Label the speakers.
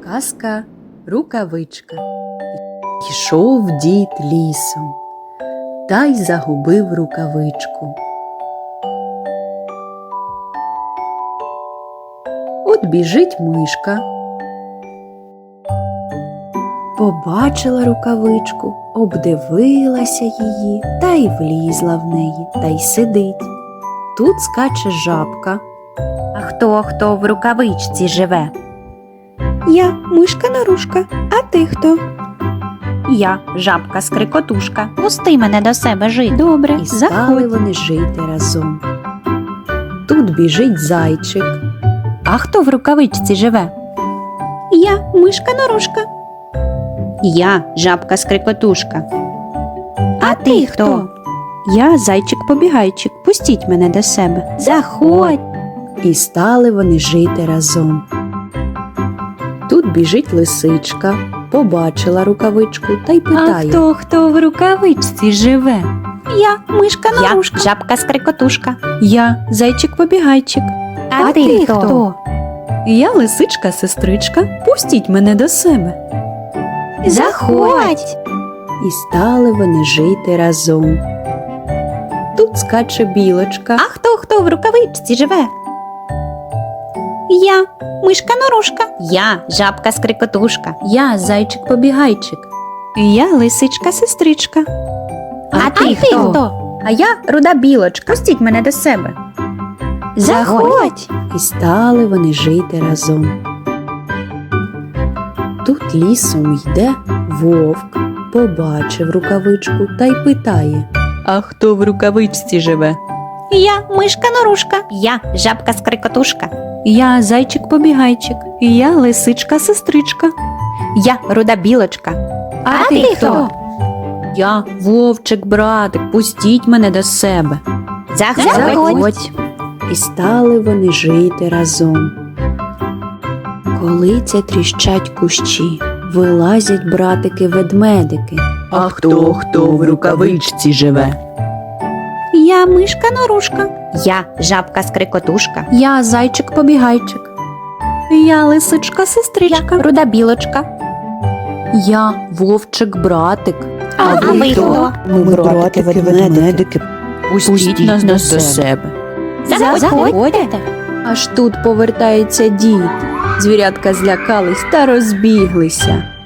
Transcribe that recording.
Speaker 1: Казка Рукавичка. Йшов дід лісом, та й загубив рукавичку. От біжить мишка, побачила рукавичку, обдивилася її та й влізла в неї, та й сидить. Тут скаче жабка.
Speaker 2: А хто в рукавичці живе?
Speaker 3: Я мишка-нарушка, а ти хто?
Speaker 2: Я жабка-скрикотушка. Пусти мене до себе жити.
Speaker 3: Добре,
Speaker 1: І стали
Speaker 3: заходь.
Speaker 1: вони жити разом. Тут біжить зайчик.
Speaker 2: А хто в рукавичці живе?
Speaker 3: Я мишка-нарушка.
Speaker 2: Я жабка-скрикотушка.
Speaker 3: А ти хто?
Speaker 2: Я зайчик-побігайчик. Пустіть мене до себе.
Speaker 3: Заходь.
Speaker 1: І стали вони жити разом. Тут біжить лисичка, побачила рукавичку та й питає.
Speaker 2: хто в рукавичці живе?
Speaker 3: Я мишка-нарушка.
Speaker 2: Я жабка-скрикотушка.
Speaker 1: Я зайчик-побігайчик.
Speaker 3: А ти хто?
Speaker 1: Я лисичка-сестричка. Пустіть мене до себе.
Speaker 3: Заходь.
Speaker 1: І стали вони жити разом. Тут скаче білочка.
Speaker 2: А хто в рукавичці живе?
Speaker 3: Я мишка-нарушка.
Speaker 2: Я жабка-скрикотушка.
Speaker 1: Я зайчик-побігайчик.
Speaker 2: Я лисичка-сестричка.
Speaker 3: А ти хто?
Speaker 2: А я руда білочка. Пустіть мене до себе.
Speaker 3: Заходь.
Speaker 1: І стали вони жити разом. Тут лісом йде вовк, побачив рукавичку та й питає. А хто в рукавичці живе?
Speaker 3: Я мишка-нарушка.
Speaker 2: Я жабка-скрикотушка.
Speaker 1: Я зайчик-побігайчик. Я лисичка-сестричка.
Speaker 2: Я руда білочка.
Speaker 3: А ти хто?
Speaker 1: Я вовчик-братик, пустіть мене до себе.
Speaker 3: Заходь.
Speaker 1: І стали вони жити разом. Коли це тріщать кущі, вилазять братики-ведмедики. А хто в рукавичці живе?
Speaker 3: Я мишка-нарушка.
Speaker 2: Я жабка-скрикотушка.
Speaker 1: Я зайчик-побігайчик. Я лисичка-сестричка.
Speaker 2: Руда білочка.
Speaker 1: Я вовчик-братик.
Speaker 3: А ви хто?
Speaker 1: Ми братики-ведмедики. Пустіть нас до себе.
Speaker 3: Заходьте.
Speaker 1: Аж тут повертається дід. Звірятка злякались та розбіглися.